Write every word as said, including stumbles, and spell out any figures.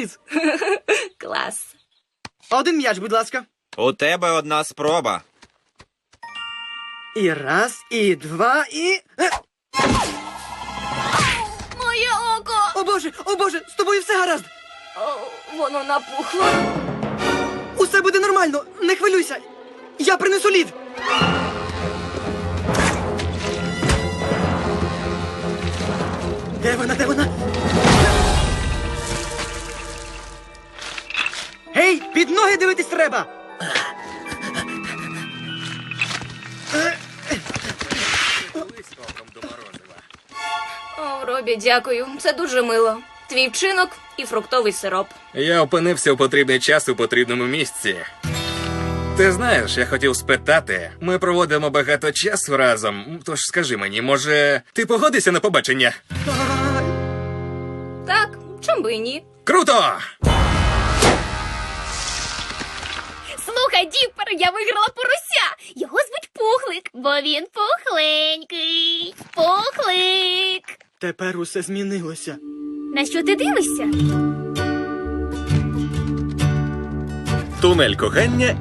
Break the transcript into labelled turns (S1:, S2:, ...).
S1: сюрприз.
S2: Клас.
S1: Один м'яч, будь ласка.
S3: У тебе одна спроба.
S1: І раз, і два, і... Е,
S2: Моє око!
S1: О боже, о боже, з тобою все гаразд.
S2: О, воно напухло.
S1: Усе буде нормально, не хвилюйся. Я принесу лід. Де вона, де вона? Гей, під ноги дивитись треба.
S2: О, Робі, дякую. Це дуже мило. Твій вчинок і фруктовий сироп.
S4: Я опинився у потрібний час у потрібному місці. Ти знаєш, я хотів спитати, ми проводимо багато часу разом, тож скажи мені, може, ти погодишся на побачення?
S2: Так, чом би і ні?
S4: Круто!
S5: Слухай, Діппер, я виграла порося. Його звуть Пухлик, бо він пухленький. Пухлик.
S1: Тепер усе змінилося.
S5: На що ти дивишся?
S6: Тунель кохання